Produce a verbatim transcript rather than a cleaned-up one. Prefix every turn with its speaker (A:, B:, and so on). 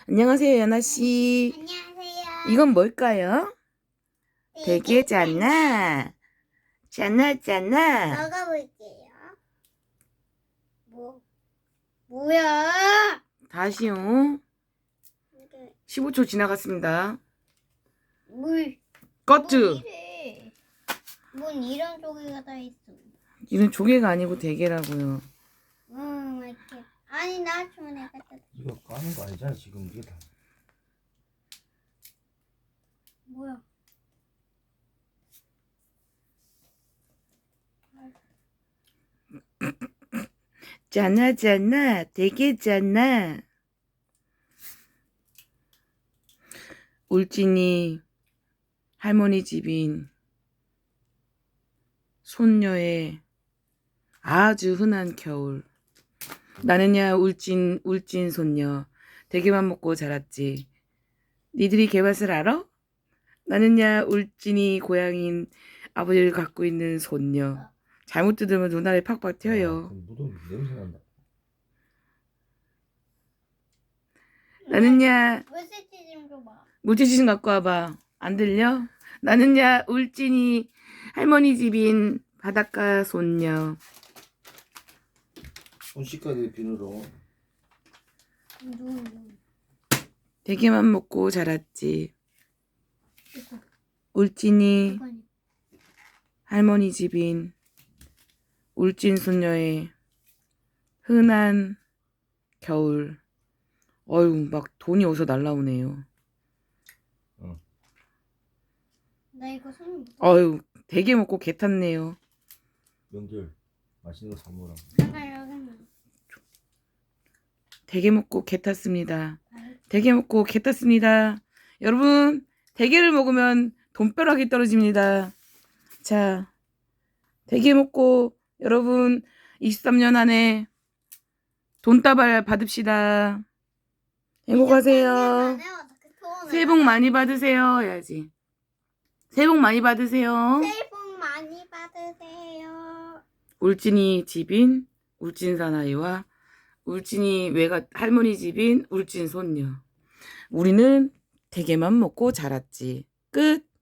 A: 안녕하세요, 연아씨.
B: 안녕하세요.
A: 이건 뭘까요?
B: 네,
A: 베개잖아. 잖아, 잖아.
B: 먹어볼게요. 뭐, 뭐야?
A: 다시요.
B: 이게
A: 십오 초 지나갔습니다.
B: 물.
A: 꺼츠.
B: 뭔 이래? 뭔 이런 조개가 다 있어?
A: 이건 조개가 아니고 대게라고요.
B: 음, 이렇게. 아니, 나 주문해 갖다.
C: 이거 까는 거 아니잖아 지금 이게 다.
B: 뭐야?
A: 잖아, 잖아. 대게잖아. 울진이 할머니 집인 손녀의 아주 흔한 겨울. 나는야 울진 울진 손녀. 대게만 먹고 자랐지. 니들이 개맛을 알아? 나는야 울진이 고향인 아버지를 갖고 있는 손녀. 잘못 뜯으면 눈알이 팍팍
C: 아,
A: 튀어요.
C: 그 무덤 냄새 난다.
A: 나는야
B: 물세지 좀 줘봐.
A: 물티슈 좀 갖고 와봐. 안 들려? 나는야 울진이 할머니 집인 바닷가 손녀.
C: 손 씻어야 돼 비누로.
B: 눈, 눈.
A: 대게만 먹고 자랐지.
B: 이거,
A: 울진이
B: 이거니.
A: 할머니 집인 울진 손녀의 흔한 겨울. 어휴, 막 돈이 어디서 날라오네요.
C: 응.
B: 나 이거 손.
A: 어휴, 대게 먹고 개 탔네요.
C: 명절 맛있는 거 사 먹으라.
B: 내가 여기는.
A: 대게 먹고 개 탔습니다.
B: 아이,
A: 대게 먹고 개 탔습니다. 여러분, 대게를 먹으면 돈벼락이 떨어집니다. 자, 대게 먹고 여러분 이십삼 년 안에 돈다발 받읍시다. 행복하세요. 새해 복 많이 받으세요. 해야지. 새해 복 많이 받으세요.
B: 새해 복 많이 받으세요.
A: 울진이 집인 울진 사나이와 울진이 외가 할머니 집인 울진 손녀. 우리는 대게만 먹고 자랐지. 끝.